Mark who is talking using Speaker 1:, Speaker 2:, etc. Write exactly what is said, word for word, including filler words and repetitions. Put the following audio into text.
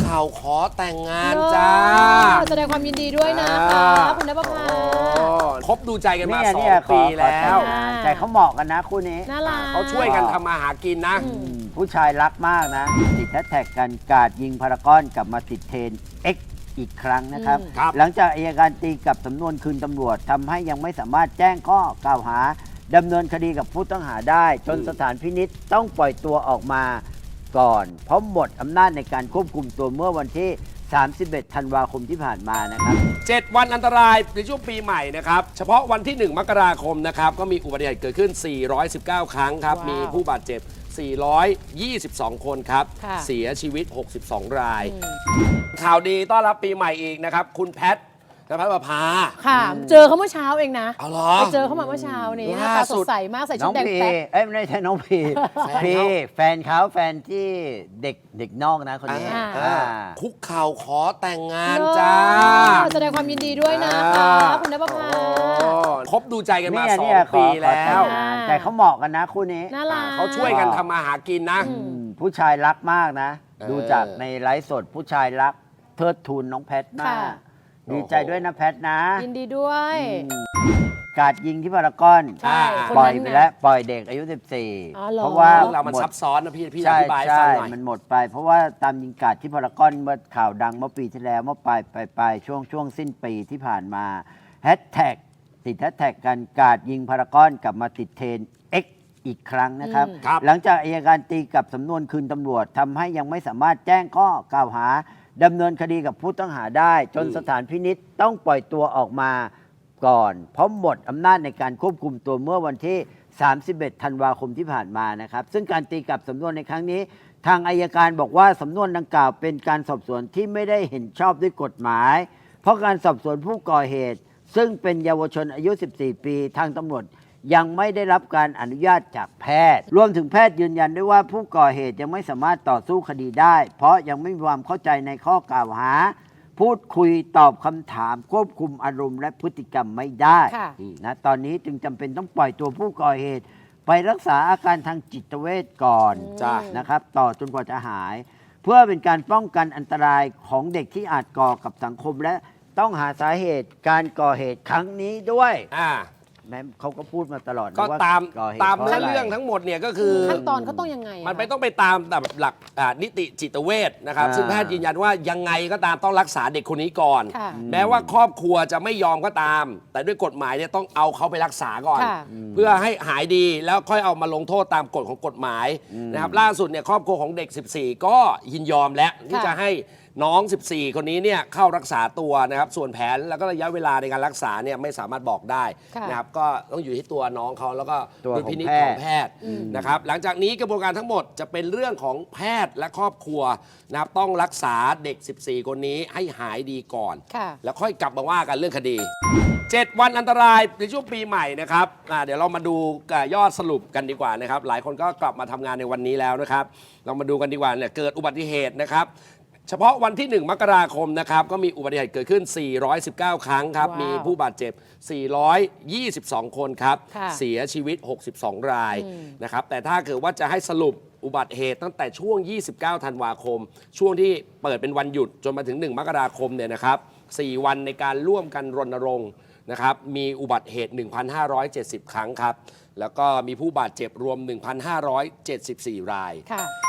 Speaker 1: เข่าขอแต่งงานจ้า
Speaker 2: แสดงความยินดีด้วยนะคะคุณณภพา
Speaker 1: คบดูใจกันมาสอง
Speaker 3: เนี่ย
Speaker 1: ปีแล้ว
Speaker 3: แต่เขาเหมาะกันนะคู่นี้
Speaker 2: น่ารัก
Speaker 1: เขาช่วยกันทำมาหากินนะ
Speaker 3: ผู้ชายรักมากนะติดแฮชแท็กกันกาดยิงพารากอนกลับมาติดเทรนด์ X อีกครั้งนะครับ หลังจากอัยการตีกับสำนวนคืนตำรวจทำให้ยังไม่สามารถแจ้งข้อกล่าวหาดำเนินคดีกับผู้ต้องหาได้จนสถานพินิจต้องปล่อยตัวออกมาก่อนเพราะหมดอำนาจในการควบคุมตัวเมื่อวันที่สามสิบเอ็ดธันวาคมที่ผ่านมานะครับ
Speaker 1: เจ็ดวันอันตรายในช่วงปีใหม่นะครับเฉพาะวันที่หนึ่งมกราคมนะครับก็มีอุบัติเหตุเกิดขึ้นสี่ร้อยสิบเก้าครั้งครับมีผู้บาดเจ็บสี่ร้อยยี่สิบสองคนครับเสียชีวิตหกสิบสองรายข่าวดีต้อนรับปีใหม่อีกนะครับคุณแพทณภพา
Speaker 2: ค่ะเจอเขาเมื่อเช้าเองนะ
Speaker 1: เอาเหรอ
Speaker 2: ไปเจอเขามาเมื่อเช้านี้หน้าตาสดใสมากใส่ชุดแดงแป๊ด
Speaker 3: เอ้ยไม่ใช่น้องพีพีแฟนเขาแฟนที่เด็กเด็กนอกนะคนนี้
Speaker 1: คุกเข่าขอแต่งงานจ้า
Speaker 2: แสดงความยินดีด้วยนะคะคุณณภพา
Speaker 1: คบดูใจกันมาสองปีแล้ว
Speaker 3: แต่เขาเหมาะกันนะคู่นี้
Speaker 2: น่ารัก
Speaker 1: เขาช่วยกันทำมาหากินนะ
Speaker 3: ผู้ชายรักมากนะดูจากในไลฟ์สดผู้ชายรักเทิดทูนน้องแพทมากดีใจด้วยนะแพทนะ
Speaker 2: ยินดีด้วย
Speaker 3: กาดยิงที่พารากอนปล่อยไปแล้วปล่อยเด็กอายุสิบสี่
Speaker 1: เพราะว่าเรามันซับซ้อนนะพี่พี่อธิบายฟังหน่อย
Speaker 3: มันหมดไปเพราะว่าตามยิงกาดที่พารากอนเมื่อข่าวดังเมื่อปีที่แล้วเมื่อปลายปลายปลายช่วงช่วงสิ้นปีที่ผ่านมาแฮชแท็กติดแฮชแท็กกันกาดยิงพารากอนกลับมาติดเทรนด์ X อีกครั้งนะครับหลังจากอัยการตีกับสำนวนคืนตำรวจทำให้ยังไม่สามารถแจ้งข้อกล่าวหาดำเนินคดีกับผู้ต้องหาได้จนสถานพินิจต้องปล่อยตัวออกมาก่อนเพราะหมดอำนาจในการควบคุมตัวเมื่อวันที่สามสิบเอ็ดธันวาคมที่ผ่านมานะครับซึ่งการตีกลับสำนวนในครั้งนี้ทางอัยการบอกว่าสำนวนดังกล่าวเป็นการสอบสวนที่ไม่ได้เห็นชอบด้วยกฎหมายเพราะการสอบสวนผู้ก่อเหตุซึ่งเป็นเยาวชนอายุสิบสี่ปีทางตำรวจยังไม่ได้รับการอนุญาตจากแพทย์รวมถึงแพทย์ยืนยันด้วยว่าผู้ก่อเหตุยังไม่สามารถต่อสู้คดีได้เพราะยังไม่มีความเข้าใจในข้อกล่าวหาพูดคุยตอบคำถามควบคุมอารมณ์และพฤติกรรมไม่ได้นะตอนนี้จึงจำเป็นต้องปล่อยตัวผู้ก่อเหตุไปรักษาอาการทางจิตเวชก่อนนะครับต่อจนกว่าจะหายเพื่อเป็นการป้องกันอันตรายของเด็กที่อาจก่อกับสังคมและต้องหาสาเหตุการก่อเหตุครั้งนี้ด้วยแม้เขาก็พูดมาตลอด
Speaker 1: ก็ตามตามเรื่องทั้งหมดเนี่ยก็คือ
Speaker 2: ขั้นตอนเขาต้องยังไง
Speaker 1: มันไปต้องไปตามแบบหลักนิติจิตเวชนะครับซึ่งแพทย์ยืนยันว่ายังไงก็ตามต้องรักษาเด็กคนนี้ก่อนแม้ว่าครอบครัวจะไม่ยอมก็ตามแต่ด้วยกฎหมายเนี่ยต้องเอาเขาไปรักษาก่อนเพื่อให้หายดีแล้วค่อยเอามาลงโทษตามกฎของกฎหมายนะครับล่าสุดเนี่ยครอบครัวของเด็กสิบสี่ก็ยินยอมแล้วที่จะให้น้องสิบสี่คนนี้เนี่ยเข้ารักษาตัวนะครับส่วนแผนแล้วก็ระยะเวลาในการรักษาเนี่ยไม่สามารถบอกได้นะครับก็ต้องอยู่ที่ตัวน้องเขาแล้วก็ดุลพินิจของแพทย์นะครับหลังจากนี้กระบวนการทั้งหมดจะเป็นเรื่องของแพทย์และครอบครัวนะครับต้องรักษาเด็กสิบสี่คนนี้ให้หายดีก่อนแล้วค่อยกลับมาว่ากันเรื่องคดีเจ็ดวันอันตรายในช่วงปีใหม่นะครับเดี๋ยวเรามาดูยอดสรุปกันดีกว่านะครับหลายคนก็กลับมาทำงานในวันนี้แล้วนะครับเรามาดูกันดีกว่าเนี่ยเกิดอุบัติเหตุนะครับเฉพาะวันที่หนึ่งมกราคมนะครับก็มีอุบัติเหตุเกิดขึ้นสี่ร้อยสิบเก้าครั้งครับมีผู้บาดเจ็บสี่ร้อยยี่สิบสองคนครับเสียชีวิตหกสิบสองรายนะครับแต่ถ้าเกิดว่าจะให้สรุปอุบัติเหตุตั้งแต่ช่วงยี่สิบเก้าธันวาคมช่วงที่เปิดเป็นวันหยุดจนมาถึงหนึ่งมกราคมเนี่ยนะครับสี่วันในการร่วมกันรณรงค์นะครับมีอุบัติเหตุ หนึ่งพันห้าร้อยเจ็ดสิบ ครั้งครับแล้วก็มีผู้บาดเจ็บรวม หนึ่งพันห้าร้อยเจ็ดสิบสี่ ราย